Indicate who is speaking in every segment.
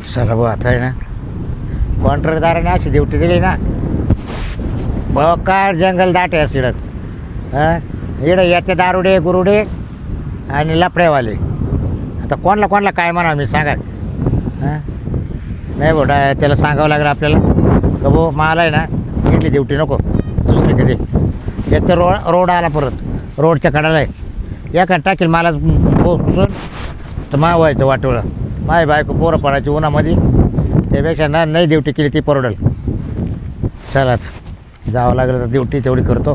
Speaker 1: चला भाऊ आता आहे ना कॉन्ट्रॅक्टदाराने अशी ड्युटी दिली ना बकार जंगल दाट आहे सिडत हां इकडे याचे दारुडे गुरुडे आणि लफडेवाले आता कोणाला काय म्हणा मी सांगा हां नाही बोटा त्याला सांगावं लागलं आपल्याला का भाऊ मला आहे ना इथली ड्युटी नको दुसरी कधी एक तर रोड आला परत रोडच्या कडाला आहे एका टाकील मला पोचून तर मा व्हायचं वाटोळं माय बायको पोरं पडायची उन्हामध्ये त्यापेक्षा ना नाही ड्युटी केली ती परवडेल चला आता जावं लागलं तर ड्युटी तेवढी करतो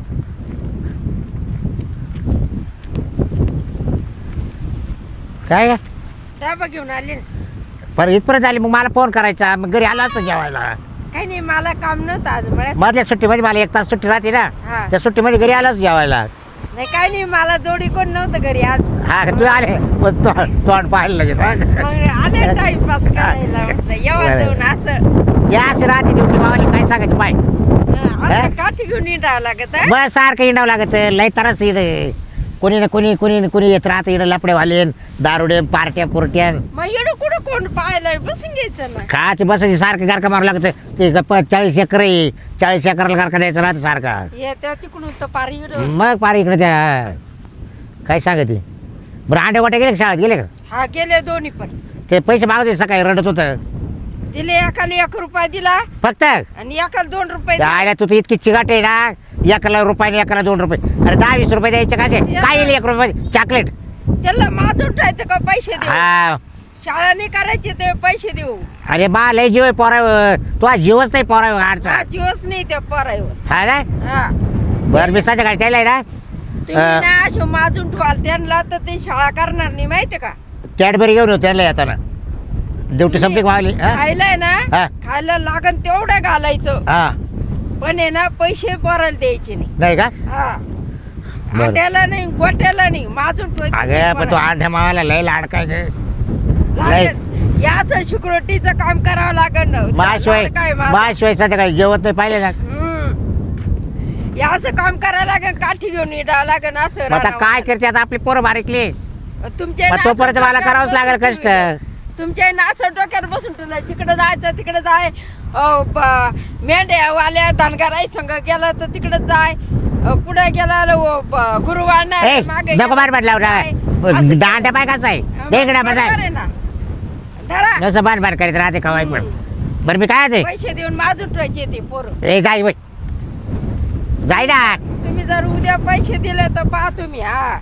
Speaker 1: काय का
Speaker 2: डबा घेऊन आले
Speaker 1: पर इथपर्यंत आली मग मला फोन करायचा मग घरी आला असतं जेवायला
Speaker 2: काही नाही मला काम नव्हतं आज मळ्यात.
Speaker 1: मधल्या सुट्टीमध्ये मला 1 तास सुट्टी राहते ना
Speaker 2: हा
Speaker 1: त्या सुट्टीमध्ये घरी आलाच जेवायला
Speaker 2: नाही काही नाही मला जोडी कोण नव्हतं घरी आज
Speaker 1: हा तू आले मग तोंड पाहायला लगेच हा.
Speaker 2: मग आले टाइमपास करायला म्हटलं येवा जाऊन असं
Speaker 1: या अशी राहते ड्युटी मावाली काय सांगायचं पाय
Speaker 2: असं काठी घेऊन निघावं लागत हं?
Speaker 1: बस सारखं इंडावं लागत लय तरच इकडे कोणी ना कोणी येत राहतं इकडे लफडेवाले दारुडे पार्ट्या पुरट्या
Speaker 2: मग एवढं कुठं कोण पाहायला बसून घ्यायचं ना
Speaker 1: खायची बसायची सारखं गारका मारू लागतं ते गप्पा 40 एकर आहे 40 एकरला गारका द्यायचं राहतं सारखा
Speaker 2: हे त्या तिकडून तर पार इकडं
Speaker 1: मग पार इकडे त्या काय सांगते बरं अंडे वाटे गेले का शाळेत गेले का
Speaker 2: हा गेले दोन्ही पण
Speaker 1: ते पैसे मागवते सकाळी रडत होतं
Speaker 2: दिले एकाला 1 रुपया दिला
Speaker 1: फक्त
Speaker 2: आणि एकाला 2 रुपये दिले.
Speaker 1: आयला तू तर इतकी चिगाट आहे ना 1 रुपयाने 2 रुपये अरे 10-20 रुपये द्यायचे का काय येईल 1 रुपये चॉकलेट
Speaker 2: त्याला माझं उठायचं का पैसे देऊ
Speaker 1: हा
Speaker 2: शाळा नाही करायची ते पैसे देऊ
Speaker 1: अरे बा लय जीव आहे पोरावर तू जीवच नाही पोरावर आडचा
Speaker 2: हा दिवस नाही त्या पोरावर
Speaker 1: हा ना
Speaker 2: हा
Speaker 1: बरं मी संध्याकाळी त्याला आहे ना
Speaker 2: तुम्ही ना अशो माजून ठेवाल त्यांना तर ते शाळा करणार नाही माहितीये का
Speaker 1: कॅडबरी घेऊन येऊ त्याला येताना ड्युटी संपली का मावली हा
Speaker 2: खायलाय ना
Speaker 1: हा.
Speaker 2: खायला लागन तेवढं घालायचं
Speaker 1: हा
Speaker 2: पण आहे ना पैसे पोराला द्यायचे नाही
Speaker 1: नाही का
Speaker 2: हा
Speaker 1: बरं.
Speaker 2: अंड्याला नाही गोट्याला नाही माजून
Speaker 1: अगं पण तू अंड्या मावाला लय लाड काय ग
Speaker 2: याच सिक्युरिटीचं काम करावं लागन ना.
Speaker 1: माशिवाय
Speaker 2: काय माझं?
Speaker 1: माशिवाय संध्याकाळी जेवत नाही पाहिले ना
Speaker 2: याचं काम करावं लागेल काठी घेऊन निघावं लागेल असं
Speaker 1: मग आता
Speaker 2: रानावर.
Speaker 1: काय करते आता आपली पोरं बारीकली
Speaker 2: तुमच्या
Speaker 1: मग तोपर्यंत मला करावंच लागेल कष्ट
Speaker 2: तुमच्या नासं डोक्यावर बसून तुला तिकडे जायचं तिकडे जाय मेंढ्या वाल्या धनगराई संघ गेला तर तिकडे जाय पुढे गेला गुरुवार
Speaker 1: ए नको बार बार लावला दांड्या पाय कसा आहे देगडा बजाय
Speaker 2: धरा
Speaker 1: जसं बार बार करीत राहते खवाय पण बरं मी काय ते
Speaker 2: पैसे देऊन माझून ठेवायचे ते पोरं
Speaker 1: ए जाई वय जाई ना
Speaker 2: तुम्ही जर उद्या पैसे दिले तर पहा तुम्ही हा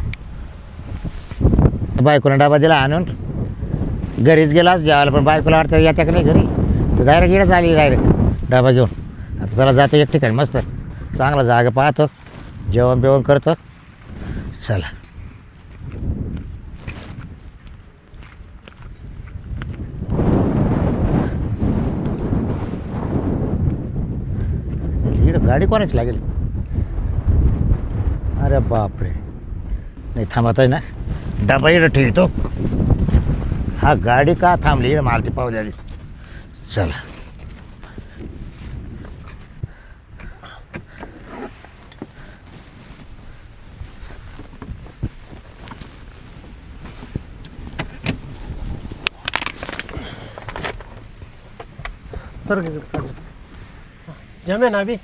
Speaker 1: बायकोला डबा दिला आणून घरीच गेला जेवायला पण बायकोला वाटतं येत्या का नाही घरी तर डायरेक्ट येणंच आली डायरेक्ट डबा घेऊन आता चला जातो एक ठिकाणी मस्त चांगला जागा पाहतो जेवण बिवण करतो चला इकडं गाडी कोणाची लागेल अरे बापरे नाही थांबत आहे ना डबा इकडं ठेवतो हा गाडी का थांबली इकडं मला ती पाहू द्या आधी. चला
Speaker 3: सर जमे ना अभी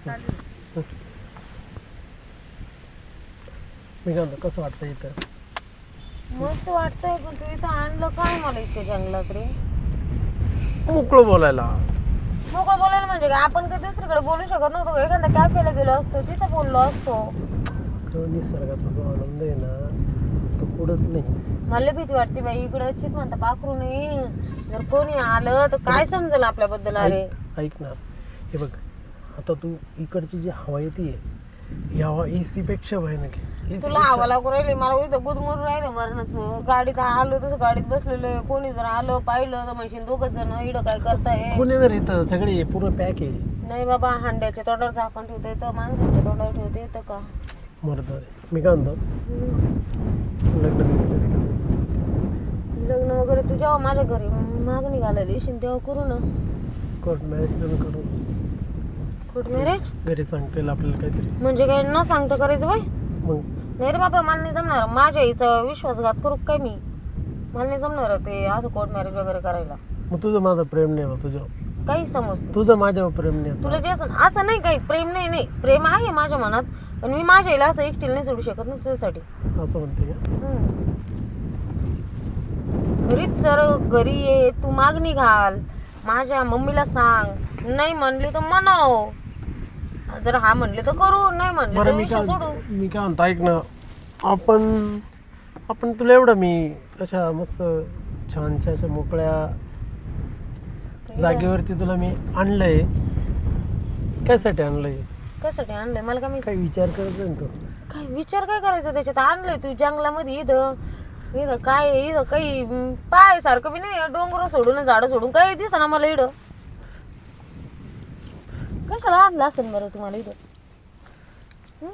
Speaker 3: मी काय म्हणतो, कसं वाटतं इथं
Speaker 4: मस्त वाटतंय पण तू इथं आणलं काय मला इतकं जंगलात रे
Speaker 3: मोकळं बोलायला
Speaker 4: मोकळं बोलायला म्हणजे काय आपण काही दुसरीकडे बोलू शकत नव्हतो का? एखाद्या कॅफेला गेलो असतो तिथं बोललो असतो
Speaker 3: तो निसर्गाचा जो आनंद आहे ना तो कुठंच नाही
Speaker 4: मला भीती वाटते बाई इकडं चित म्हणता पाखरू नाही जर कोणी आलं तर काय समजेल आपल्याबद्दल अरे
Speaker 3: ऐक ना हे बघ आता तू इकडची जी हवा येते ही हवा एसी पेक्षा भयानक आहे AC
Speaker 4: तुला
Speaker 3: पेक्षा-
Speaker 4: हवा लागू राहिली मला इथं गुदमरून राहिलं मरणाचं गाडीत आलो तसं गाडीत बसलेलं कोणी जर आलं पाहिलं तर म्हणशील 2 जण इकडं काय करताय
Speaker 3: कोणी जर इथं सगळे पूर्ण पॅक आहे
Speaker 4: नाही बाबा हांड्याच्या तोंडावर झाकण ठेवता येतं माणसाच्या तोंडावर ठेवता येतं का
Speaker 3: मरत मी काय म्हणतो लग्न बिग्न कधी करायचं?
Speaker 4: लग्न वगैरे तू जेव्हा माझ्या घरी मागणी घालायला येशील तेव्हा करू ना
Speaker 3: कोर्ट मॅरेज करून करू
Speaker 4: कोर्ट मॅरेज
Speaker 3: घरी सांगता येईल आपल्याला काहीतरी
Speaker 4: म्हणजे काय न सांगता करायचं बाय
Speaker 3: मग
Speaker 4: नाही रे बाबा मला नाही जमणार माझ्या आईचा विश्वासघात करू काय मी मला नाही जमणार ते असं कोर्ट मॅरेज वगैरे करायला
Speaker 3: मग तुझं माझं प्रेम नाही बा तुझ्यावर,
Speaker 4: काही समज
Speaker 3: तुझं माझ्यावर प्रेम नाही.
Speaker 4: तुला जे असं नाही काही प्रेम नाही प्रेम आहे माझ्या मनात, पण मी माझ्या आईला असं एकटीला नाही सोडू शकत ना तुझ्यासाठी.
Speaker 3: असं म्हणते का?
Speaker 4: घरीच सर घरी ये, तू मागणी घाल, माझ्या मम्मीला सांग, नाही म्हणली तर म्हणाव, जर हा म्हणले तर करू, नाही म्हणले
Speaker 3: बरं
Speaker 4: तर
Speaker 3: मी
Speaker 4: विषय
Speaker 3: काय
Speaker 4: सोडू.
Speaker 3: मी काय म्हणतो ऐक ना, आपण तुला एवढं मी अशा मस्त छानशा अशा मोकळ्या जागेवरती तुला मी आणलंय, कशासाठी आणलंय?
Speaker 4: कशासाठी आणलंय मला काय
Speaker 3: काही विचार करत ना तू?
Speaker 4: काय विचार काय करायचा त्याच्यात? आणलंय तू जंगलामध्ये, इथं इथं काय आहे? इथं काही पाय सारखं बी नाही, डोंगर सोडून झाडं सोडून काही दिसा ना मला इथं. कशाला आणलं असेल बरं तुम्हाला इथं? हं?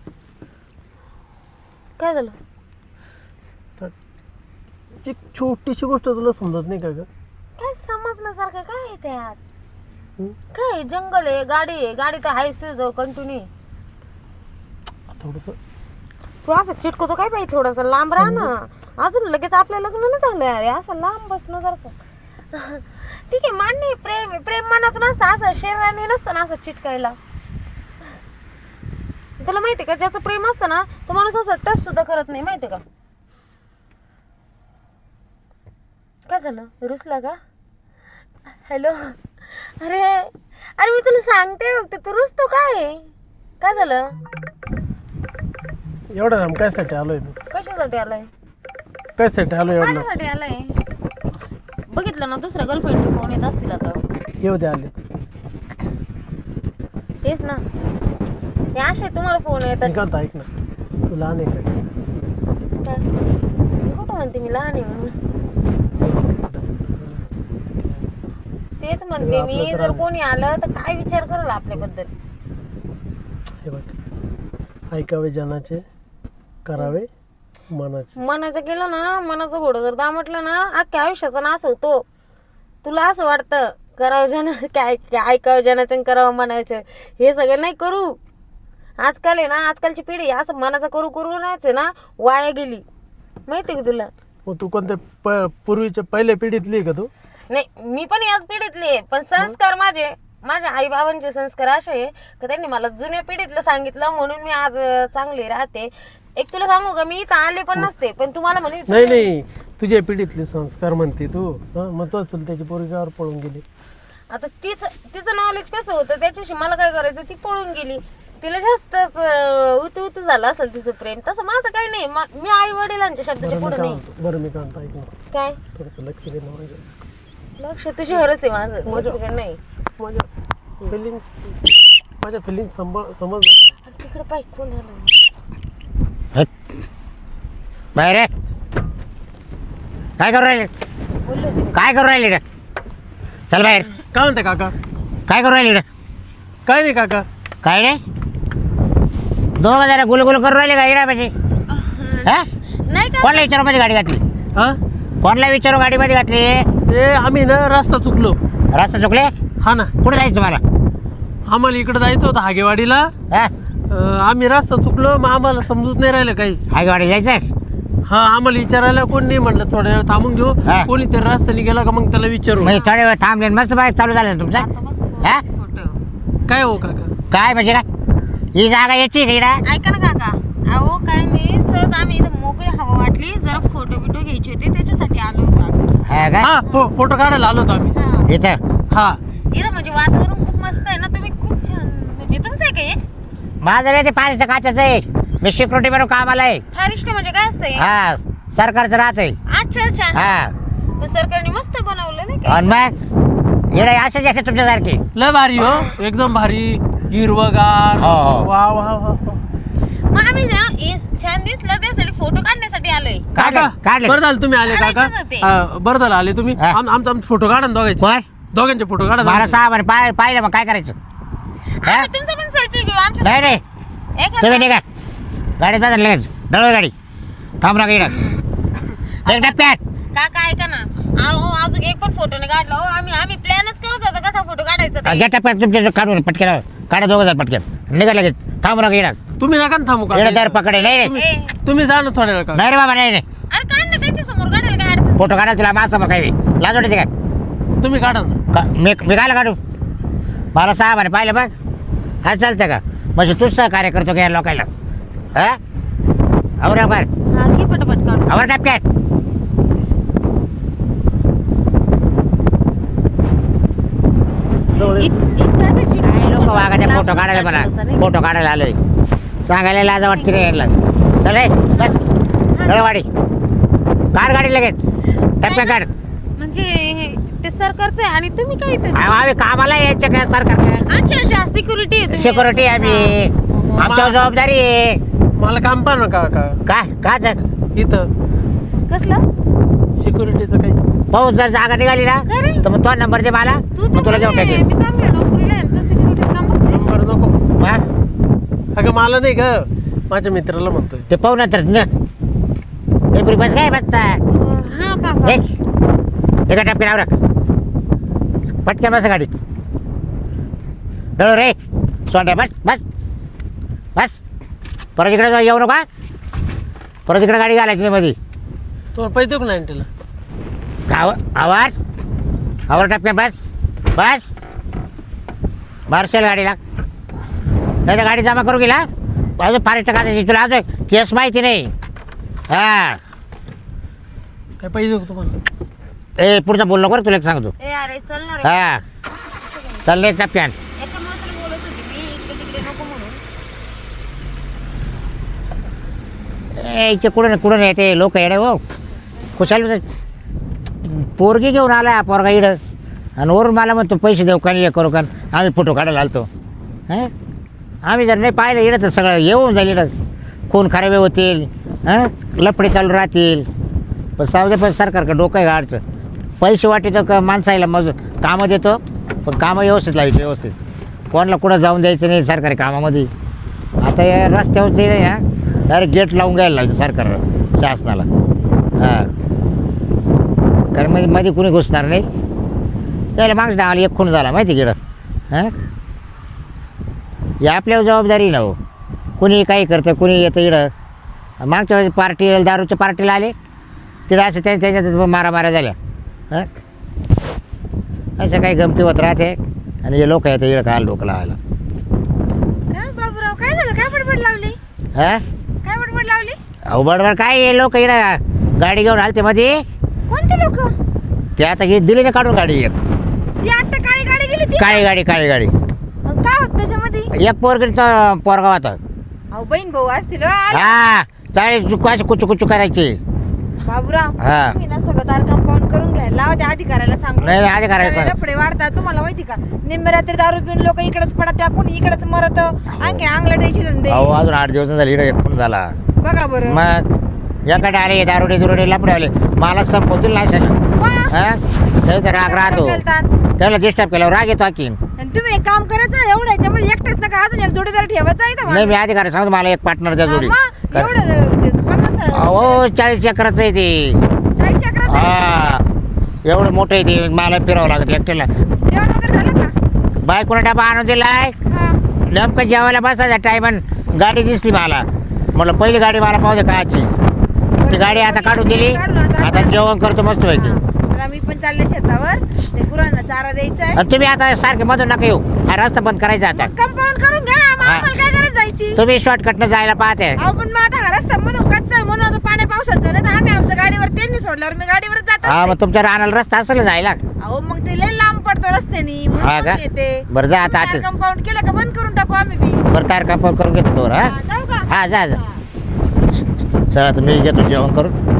Speaker 4: काय झालं?
Speaker 3: तर ती छोटीशी गोष्ट तुला समजत नाही का ग?
Speaker 4: काय समजण्यासारखं काय आहे त्यात?
Speaker 3: हं?
Speaker 4: काय जंगल आहे, गाडी तर आहेच तुझं कंटिन्यू.
Speaker 3: थोडस
Speaker 4: तू असं चिटकवतो काय पाहिजे, थोडस लांब राहा ना. अजून लगेच आपलं लग्न नाही झालं अरे, असं लांब बसणं जरासं. ठीक आहे मान्य आहे, प्रेम आहे, प्रेम मनात नसतं, असं शरीराने नसतं ना असं चिटकायला. तुला माहिती का, ज्याचं प्रेम असतं ना तो माणूस असं टच सुद्धा करत नाही, माहिती का? काय झालं, रुसला का? हॅलो, अरे अरे मी तुला सांगते फक्त, तू रुसतो काय झालं?
Speaker 3: एवढं काम कायसाठी आलोय मी?
Speaker 4: कशासाठी आलाय?
Speaker 3: कायसाठी आलोय एवढं?
Speaker 4: माझ्यासाठी आलाय. बघितलं ना दुसऱ्या गर्लफ्रेंडचे फोन येत असतील आता.
Speaker 3: येऊ दे आले.
Speaker 4: तेच ना, हे असे तुम्हाला फोन येतात.
Speaker 3: मी काय म्हणतो ऐक ना, तू लहान आहे का?
Speaker 4: काय? मी कुठं म्हणते मी लहान आहे म्हणून? तेच म्हणते मी, जर कोणी आलं तर काय विचार करेल आपल्याबद्दल?
Speaker 3: हे बघ, ऐकावे जनाचे, करावे मनाचे.
Speaker 4: मनाचं केलं ना, मनाचं घोडं जर दामटलं ना, अख्ख्या आयुष्याचा नाश होतो. तुला असं वाटतं करावं जन काय ऐकावं जनाचं आणि करावं मनाचं, हे सगळं नाही करू. आजकाल आहे ना, आजकालची पिढी असं मनाचं करू नाहीच ना, वाया गेली. माहिती का तुला?
Speaker 3: मग तू कोणत्या पूर्वीच्या पहिल्या पिढीतली आहे का तू?
Speaker 4: नाही, मी पण याच पिढीतली आहे, पण संस्कार माझ्या आई बाबांचे संस्कार असे आहे की त्यांनी मला जुन्या पिढीतलं सांगितलं, म्हणून मी आज चांगली राहते. एक तुला सांगू का, मी इथं आले पण नसते, पण तुम्हाला म्हणे
Speaker 3: नाही तुझ्या पिढीतले संस्कार म्हणते तू. मग तो त्याची पोरगावर पळून गेली.
Speaker 4: आता तिचं नॉलेज कसं होतं त्याच्याशी मला काय करायचं, ती पळून गेली. तिला जास्तच उतू झालं असेल तिचं प्रेम. तसं माझं काही नाही, मी आई वडिलांच्या शब्दाच्या पुढे नाही.
Speaker 3: बरं मी काय म्हणतो ऐक ना,
Speaker 4: काय
Speaker 3: थोडंसं लक्ष दे ना माझ्या.
Speaker 4: लक्ष तुझ्यावरच आहे माझं, माझं नाही.
Speaker 3: माझ्या फिलिंग्स समज.
Speaker 4: तिकडे पाय कोण आलं?
Speaker 1: बाहेर ये. काय करू राहिले?
Speaker 4: बोललो होते.
Speaker 1: काय करू राहिले रे? चल बाहेर.
Speaker 3: काय म्हणते काका?
Speaker 1: काय करू राहिले रे?
Speaker 3: काय नाही काका.
Speaker 1: काय रे, दोघं जरा गुलगुल करू राहिले का इडा पाहिजे? हा,
Speaker 4: नाही का?
Speaker 1: कोणला विचारू मध्ये गाडी घातली?
Speaker 3: हा
Speaker 1: कोणला विचारू गाडीमध्ये घातली?
Speaker 3: ते आम्ही ना रस्ता चुकलो.
Speaker 1: रस्ता चुकले?
Speaker 3: हा ना,
Speaker 1: कुठे जायचं तुम्हाला?
Speaker 3: आम्हाला इकडे जायचं होतं हागेवाडीला.
Speaker 1: हा,
Speaker 3: आम्ही रस्ता चुकलो, मग आम्हाला समजूत नाही राहिलं काही.
Speaker 1: हाय गाडी जायचं?
Speaker 3: हा, आम्हाला विचारायला कोण नाही, म्हणलं थोड्या वेळ थांबून घेऊ.
Speaker 1: हा.
Speaker 3: कोणी तर रस्त्याने गेला का मग त्याला विचारू.
Speaker 1: म्हणजे थोड्या वेळ थांबले, मस्त बाईक चालू झालं ना तुमचं?
Speaker 4: आता बस
Speaker 1: हा?
Speaker 4: फोटो.
Speaker 3: काय हो काका?
Speaker 1: काय म्हणजे काय, ही जागा याची आहे का इकडं?
Speaker 4: ऐका ना काका, अहो काय नाही, सहज आम्ही इथं मोकळी हवा वाटली, जरा फोटो बिटो घ्यायचे होते त्याच्यासाठी आलो होतो.
Speaker 1: हा का?
Speaker 3: हा, फोटो काढायला आलो होतो आम्ही.
Speaker 4: हा.
Speaker 1: इथं
Speaker 3: हा,
Speaker 4: इथं म्हणजे वातावरण खूप मस्त आहे ना, तुम्ही खूप छान, म्हणजे तुमचं आहे का हे?
Speaker 1: माझं रे ते 5 काचाचं आहे, मी सिक्युरिटी म्हणून कामाला आहे.
Speaker 4: फारिस्ट म्हणजे काय असतंय?
Speaker 1: हा, सरकारचं राहत आहे.
Speaker 4: अच्छा अच्छा.
Speaker 1: हा,
Speaker 4: पण सरकारने मस्त बनवलं नाही का?
Speaker 1: आणि मग इकडे असेच असते तुमच्यासारखे.
Speaker 3: लय भारी हो, एकदम भारी, हिरवगार.
Speaker 1: हो, हो.
Speaker 3: वा वा वा वा.
Speaker 4: मग आम्ही ना छान दिसलं त्यासाठी फोटो काढण्यासाठी आलोय.
Speaker 1: काढले काढले.
Speaker 3: बरं झालं तुम्ही आले काका.
Speaker 4: काढायचेच होते.
Speaker 3: बरं झालं आले तुम्ही.
Speaker 1: हा.
Speaker 3: आमचा फोटो काढा ना दोघांचे.
Speaker 1: कोण?
Speaker 3: दोघांचे फोटो काढा.
Speaker 1: मला 6 महिने पाहिलं, मग काय करायचं? हा?
Speaker 4: आम्ही तुमचा पण सेल्फी घेऊ आमच्या.
Speaker 1: नाही नाही,
Speaker 4: एक
Speaker 1: तुम्ही निघा गाडीत बदल लगेच, दळव गाडी, थांब ना इकडं एक टप्प्यात.
Speaker 4: काका ऐका ना, अहो अजून एक पण फोटो नाही काढला. हो आम्ही प्लॅनच करत होतो कसा फोटो काढायचा ते.
Speaker 1: ज्या टप्प्यात तुमच्या काढून पटकेला काढा, दोघं जण पटकेल निघा लगेच, थांब ना इकडं.
Speaker 3: तुम्ही नका ना थांबू
Speaker 1: इकडं
Speaker 3: काका.
Speaker 1: दर पकडे. नाही नाही
Speaker 3: तुम्ही जा ना थोड्या वेळ काका.
Speaker 1: नाही रे बाबा, नाही नाही,
Speaker 4: अरे काढ ना त्यांच्या समोर, काढायला काय अडचण?
Speaker 1: फोटो काढा तुला माझ्यासमोर काही लाज वाटते काय?
Speaker 3: तुम्ही काढा ना.
Speaker 1: मी काय काढू मला साहेबाने पाहिलं बघ हा चालतं का म्हणजे तूच सहकार्य करतो का या लोकांना हा आवर आवर
Speaker 4: हा घे पटापट काढ.
Speaker 1: आवर टपक्यात काय लोक वागायचे फोटो काढायला म्हणा फोटो काढायला आलोय सांगायला लाज वाटते रे यायला चल रे बस चल वाडी कार गाडी लगेच टप्प्या काढ
Speaker 4: म्हणजे ते सरकारचं आहे आणि तुम्ही काय इथे
Speaker 1: आम्ही कामाला यायचं काय सरकार
Speaker 4: अच्छा सिक्युरिटी आहे
Speaker 1: सिक्युरिटी आम्ही आमच्यावर जबाबदारी आहे
Speaker 3: मला काम पहा ना काका.
Speaker 1: काय काय झालं?
Speaker 3: इथं
Speaker 4: कसलं
Speaker 3: सिक्युरिटीचं काही.
Speaker 1: पाऊस जर जागा निघाली ना
Speaker 4: काय रे?
Speaker 1: तर मग तो नंबर दे मला
Speaker 4: तू
Speaker 1: मग तुला घेऊन
Speaker 4: मी
Speaker 1: टाकेल
Speaker 4: चांगल्या नोकरीला आहे तू सिक्युरिटी काम बघ.
Speaker 3: नंबर नको.
Speaker 1: हा?
Speaker 3: अगं मला नाही ग माझ्या मित्राला म्हणतोय.
Speaker 1: ते पाहू नंतर बस काय बसता
Speaker 4: हा काका
Speaker 1: एका टप्प्यावर पटकन बस गाडीत डळो रे सोंड्या बस बस बस परत इकडे येऊ नका परत इकडे गाडी घालायची नाही मध्ये
Speaker 3: तुम्हाला पैसे देऊ का नाही तिला.
Speaker 1: आवार आवर टप्प्यात बस बस मारशेल गाडीला नाही तर गाडी जमा करू गेला अजून फारेस्ट टाकायची तुला अजून केस माहिती नाही हा
Speaker 3: काय पैसे देऊ का तुम्हाला.
Speaker 1: ए पुढचं बोल नको रे, तुला एक सांगतो
Speaker 4: ए अरे चल ना रे
Speaker 1: हा चल रे टप्प्यान
Speaker 4: याच्यामुळे तर बोलत होती मी इकडे तिकडे नको म्हणून
Speaker 1: इथे कुठं नाही ते लोक येडे हो कुशाल पोरगी घेऊन आला पोरगा इडं आणि वरून मला म्हणतो पैसे देऊ का हे करू का आम्ही फोटो काढायला आलतो हां आम्ही जर नाही पाहिलं इडं तर सगळं येऊन जाईल इडं खून खराबे होतील हां लफडे चालू राहतील पण सावधे पण सरकारकडे डोकं आहे गाडचं पैसे वाटेतो का माणसाला मग कामं देतो पण कामं व्यवस्थित लावायचं व्यवस्थित कोणाला कुठं जाऊन द्यायचं नाही सरकारी कामामध्ये आता या रस्त्यावर ते नाही हा डायरेक्ट गेट लावून घ्यायला लागतं सरकार शासनाला हां कारण मध्ये कुणी घुसणार नाही त्याला मागच्या आम्हाला एक खून झाला माहिती गेलं हां ही आपल्यावर जबाबदारी ना हो कुणी काही करतं कुणी येतं इडं मागच्या वेळेस पार्टी दारूच्या पार्टीला आले तिथं असं त्याच्यात मारामाऱ्या झाल्या हां असं काही गमती होत राहते आणि हे लोक येतं इडं काय लोक लावायला
Speaker 2: काय बाबूराव काय झालं काय बडबड लावली
Speaker 1: हां
Speaker 2: काय बडबड लावली
Speaker 1: अहो बडबड काय हे लोक इडं गाडी घेऊन आलते मध्ये
Speaker 2: कोणते लोक
Speaker 1: ते आता दिली ना काढून गाडी एक
Speaker 2: ती आता काळी गाडी गेली ती
Speaker 1: काळी गाडी
Speaker 2: काय होत त्याच्यामध्ये
Speaker 1: एक पोरगी तर पोरगाव होता
Speaker 2: अहो बहीण भाऊ असतील हो, आले.
Speaker 1: हा चाळीस अशी कुचू करायची
Speaker 2: बाबूराव
Speaker 1: हा.
Speaker 2: तुम्ही ना सगळं दार कंपाऊंड करून घ्या लावा त्या अधिकाऱ्याला सांगू
Speaker 1: नाही, अधिकाऱ्याला सांग.
Speaker 2: लफडे वाढतात तुम्हाला माहिती का निम्मे रात्री दारू पिऊन लोक इकडेच पडत त्या कोणी इकडेच मरत आणखी अंगलटायची धंदे
Speaker 1: अहो अजून 8 दिवस झाले इकडे एक खून झाला
Speaker 2: बघा बरं
Speaker 1: मग एकडे आले दारुडे लपडे आले मला संपवतील नाही सगळं
Speaker 2: वा.
Speaker 1: हा त्याचा राग राहतो त्याला डिस्टर्ब केल्यावर राग येतो आणखीन
Speaker 2: आणि तुम्ही एक काम करायचं एवढं याच्यामध्ये एकटेच नका अजून एक जोडीदार ठेवायचा इथं
Speaker 1: नाही मी अधिकारी सांगतो मला एक पार्टनर द्या जोडी
Speaker 2: हा, एवढं 50
Speaker 1: अहो 40 चक्राचं आहे ते
Speaker 2: 40 चक्राचं आहे.
Speaker 1: हा एवढं मोठं आहे ते मला फिरावं लागत एकट्याला
Speaker 2: जेवण वगैरे झालं का
Speaker 1: बायकोने डबा आणून दिलाय
Speaker 2: हा.
Speaker 1: नेमकं जेवायला बसायचा टायमन गाडी दिसली मला म्हटलं पहिली गाडी मला पाहू दे काची ती गाडी आता काढून दिली आता जेवण करतो मस्त व्हायची
Speaker 2: मला मी पण चालले शेतावर ते गुरांना चारा द्यायचा आहे
Speaker 1: आणि तुम्ही आता सारखे मधून नका येऊ हा रस्ता बंद करायचा आता
Speaker 2: कंपाऊंड करून घ्या ना मग
Speaker 1: हा.
Speaker 2: आम्हाला काय गरज जायची
Speaker 1: तुम्ही शॉर्टकटनं जायला पाहते
Speaker 2: अहो पण मग आता हा रस्ता मधून कच्चा आहे म्हणून आता पाण्या पावसाचं नाही तर आम्ही आमच्या गाडीवर त्यांनी सोडल्यावर मी गाडीवर जात
Speaker 1: हा
Speaker 2: असते.
Speaker 1: मग तुमच्या रानाला रस्ता असेल जायला
Speaker 2: अहो मग ते लय लांब पडतो रस्त्यानी
Speaker 1: हा का?
Speaker 2: येते
Speaker 1: बरं जा आता आतच
Speaker 2: कंपाऊंड केलं का बंद करून टाकू आम्ही बी
Speaker 1: बरं तार कंपाऊंड करून घेतो तोवर हा
Speaker 2: हा, जाऊ का
Speaker 1: हा जा चला तर मी घेतो जेवण करून